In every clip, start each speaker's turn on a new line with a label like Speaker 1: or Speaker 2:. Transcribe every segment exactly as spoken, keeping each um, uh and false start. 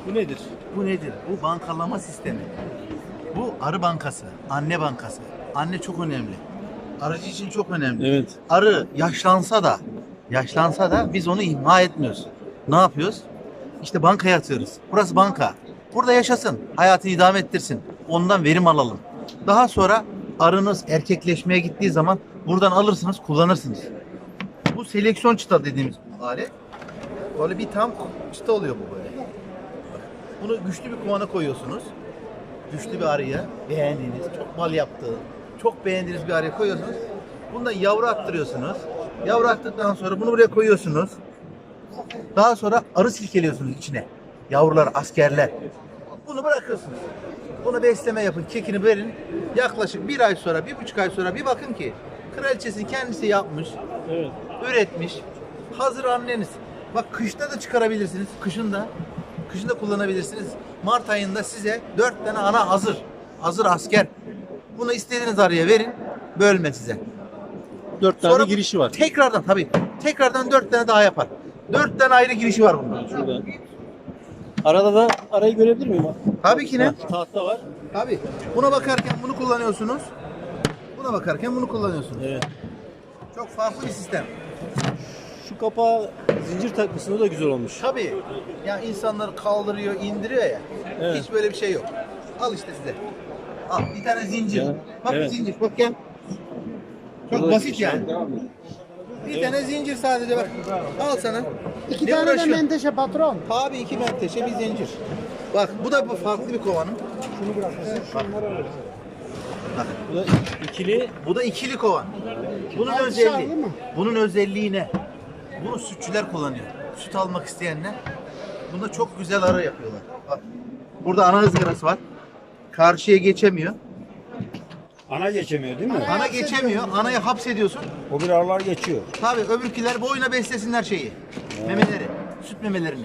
Speaker 1: Bu nedir?
Speaker 2: Bu nedir? Bu bankalama sistemi. Bu arı bankası, anne bankası. Anne çok önemli. Arıcı için çok önemli.
Speaker 1: Evet.
Speaker 2: Arı yaşlansa da, yaşlansa da biz onu ihmal etmiyoruz. Ne yapıyoruz? İşte bankaya atıyoruz. Burası banka. Burada yaşasın, hayatını idame ettirsin. Ondan verim alalım. Daha sonra arınız erkekleşmeye gittiği zaman buradan alırsınız, kullanırsınız. Bu seleksiyon çıta dediğimiz alet. Böyle bir tam çıta oluyor bu böyle. Bunu güçlü bir kovana koyuyorsunuz. Güçlü bir arıya, beğendiğiniz, çok bal yaptığı, çok beğendiğiniz bir arıya koyuyorsunuz. Bundan yavru attırıyorsunuz. Yavru attıktan sonra bunu buraya koyuyorsunuz. Daha sonra arı silkeliyorsunuz içine. Yavrular, askerler. Bunu bırakıyorsunuz. Bunu besleme yapın, kekini verin. Yaklaşık bir ay sonra, bir buçuk ay sonra bir bakın ki kraliçesini kendisi yapmış,
Speaker 1: Evet.
Speaker 2: üretmiş. Hazır anneniz. Bak kışta da çıkarabilirsiniz. Kışın da. Kışın da kullanabilirsiniz. Mart ayında size dört tane ana hazır. Hazır asker. Bunu istediğiniz arıya verin. Bölme size.
Speaker 1: Dört tane
Speaker 2: Sonra
Speaker 1: girişi var.
Speaker 2: Tekrardan tabii. Tekrardan dört tane daha yapar. Dört tane ayrı girişi var bunun.
Speaker 1: Şurada. Arada da arayı görebilir miyim?
Speaker 2: Tabii ki ne?
Speaker 1: Ha, tahta var.
Speaker 2: Tabii. Buna bakarken bunu kullanıyorsunuz. Buna bakarken bunu kullanıyorsunuz.
Speaker 1: Evet.
Speaker 2: Çok farklı bir sistem.
Speaker 1: Şu kapağı zincir takmışsın, o da güzel olmuş.
Speaker 2: Tabii. Ya insanları kaldırıyor, indiriyor ya.
Speaker 1: Evet.
Speaker 2: Hiç böyle bir şey yok. Al işte size. Al bir tane zincir.
Speaker 1: Ya,
Speaker 2: Bak
Speaker 1: evet.
Speaker 2: zincir. Bak gel. Çok
Speaker 1: Burada
Speaker 2: basit
Speaker 1: şey-
Speaker 2: yani. Bir tane zincir sadece bak. Al sana.
Speaker 3: İki
Speaker 2: Ne
Speaker 3: tane de
Speaker 2: uğraşıyorsun?
Speaker 3: menteşe patron.
Speaker 2: Tabii iki menteşe bir zincir. Bak bu da bu farklı bir kovanım.
Speaker 3: Şunu bırakırsın, şunları alırsın.
Speaker 2: Bak
Speaker 1: Bu da ikili.
Speaker 2: bu da ikili kovan. Bunun
Speaker 3: Aşağı
Speaker 2: özelliği.
Speaker 3: değil mi?
Speaker 2: Bunun özelliği ne? Bunu sütçüler kullanıyor. Süt almak isteyenler. Bunda çok güzel arı yapıyorlar. Bak. Burada ana ızgarası var. Karşıya geçemiyor.
Speaker 4: Ana geçemiyor değil mi?
Speaker 2: Ana geçemiyor. Anayı hapsediyorsun.
Speaker 4: O bir aralar geçiyor.
Speaker 2: Tabii öbürküler boyuna beslesinler şeyi. Memeleri. Süt memelerini.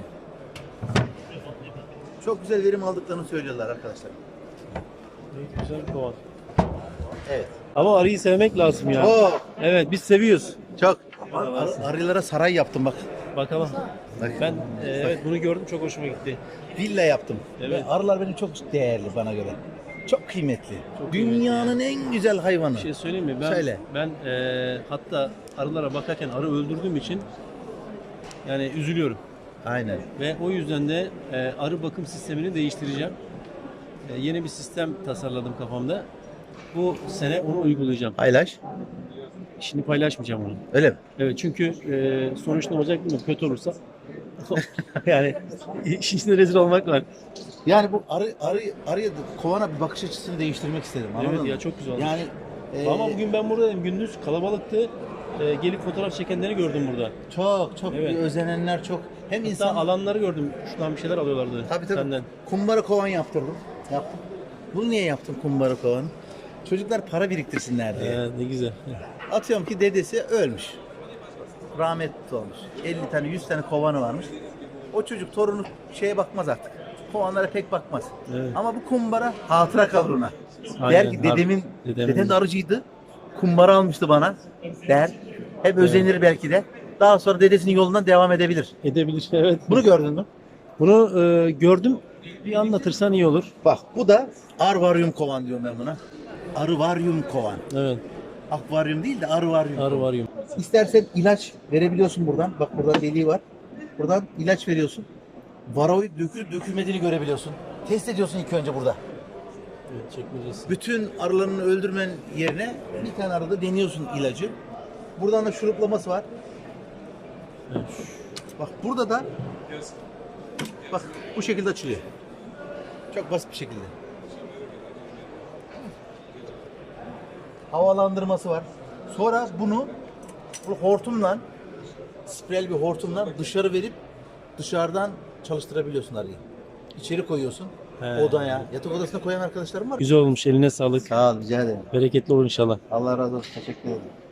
Speaker 2: Çok güzel verim aldıklarını söylüyorlar arkadaşlar.
Speaker 1: Güzel bir kovan.
Speaker 2: Evet.
Speaker 1: Ama arıyı sevmek lazım ya.
Speaker 2: Oo,
Speaker 1: Evet, biz seviyoruz.
Speaker 2: çok. Ar- arılara saray yaptım bak.
Speaker 1: Bakalım.
Speaker 2: Bak.
Speaker 1: Ben e, evet bunu gördüm, çok hoşuma gitti.
Speaker 2: Villa yaptım.
Speaker 1: Evet.
Speaker 2: Ve arılar benim çok değerli bana göre. Çok kıymetli. Dünyanın en güzel hayvanı.
Speaker 1: Bir şey söyleyeyim mi? Ben
Speaker 2: Söyle.
Speaker 1: ben e, hatta arılara bakarken arı öldürdüğüm için yani üzülüyorum.
Speaker 2: Aynen.
Speaker 1: Ve o yüzden de e, arı bakım sistemini değiştireceğim. E, yeni bir sistem tasarladım kafamda. Bu sene onu uygulayacağım.
Speaker 2: Paylaş.
Speaker 1: Şimdi paylaşmayacağım onu.
Speaker 2: Öyle mi?
Speaker 1: Evet, çünkü e, sonuç ne olacak bilmiyorum. Kötü olursa yani işin içinde rezil olmak var.
Speaker 2: Yani bu arı arı arıya kovana bir bakış açısını değiştirmek istedim. Anladın
Speaker 1: Evet
Speaker 2: mı?
Speaker 1: ya, çok güzel olmuş.
Speaker 2: Yani e,
Speaker 1: Ama bugün ben buradayım. Gündüz kalabalıktı. E, gelip fotoğraf çekenleri gördüm burada.
Speaker 2: çok çok
Speaker 1: Evet.
Speaker 2: bir özenenler çok. Hem
Speaker 1: Hatta
Speaker 2: insan
Speaker 1: alanları gördüm. Şuradan bir şeyler alıyorlardı
Speaker 2: tabii tabii.
Speaker 1: senden.
Speaker 2: Kumbara kovan yaptırdım. Yaptım. Bunu niye yaptım kumbara kovanı? Çocuklar para biriktirsinler diye.
Speaker 1: Ee, ne güzel.
Speaker 2: Atıyorum ki dedesi ölmüş. Rahmetli olmuş. elli tane yüz tane kovanı varmış. O çocuk torunu şeye bakmaz artık. Kovanlara pek bakmaz.
Speaker 1: Evet.
Speaker 2: Ama bu kumbara hatıra kalır ona.
Speaker 1: Aynen,
Speaker 2: Der ki dedemin,
Speaker 1: dedemin-
Speaker 2: dedem de arıcıydı. Kumbara almıştı bana der. Hep özenir belki de. Daha sonra dedesinin yolundan devam edebilir.
Speaker 1: Edebilir, evet.
Speaker 2: Bunu gördün mü?
Speaker 1: Bunu e, gördüm. Bir anlatırsan iyi olur.
Speaker 2: Bak bu da arvaryum kovan diyorum ben buna. Arıvaryum kovan.
Speaker 1: Evet.
Speaker 2: Akvaryum değil de arıvaryum.
Speaker 1: Arı var yum.
Speaker 2: İstersen ilaç verebiliyorsun buradan. Bak burada deliği var. Buradan ilaç veriyorsun. Varoid dökülüp dökülmediğini görebiliyorsun. Test ediyorsun ilk önce burada.
Speaker 1: Evet, çekmeyeceğiz.
Speaker 2: Bütün arılarını öldürmen yerine bir tane arada deniyorsun ilacı. Buradan da şuruplaması var.
Speaker 1: Evet.
Speaker 2: Bak burada da bak bu şekilde açılıyor. Çok basit bir şekilde. Havalandırması var. Sonra bunu bu hortumla spreyli bir hortumla dışarı verip dışarıdan çalıştırabiliyorsun arıyı. İçeri koyuyorsun.
Speaker 1: He.
Speaker 2: Odaya, yatak odasına koyan arkadaşlarım var.
Speaker 1: Güzel olmuş. Eline sağlık.
Speaker 2: Sağ ol, rica ederim.
Speaker 1: Bereketli olur inşallah.
Speaker 2: Allah razı olsun. Teşekkür ederim.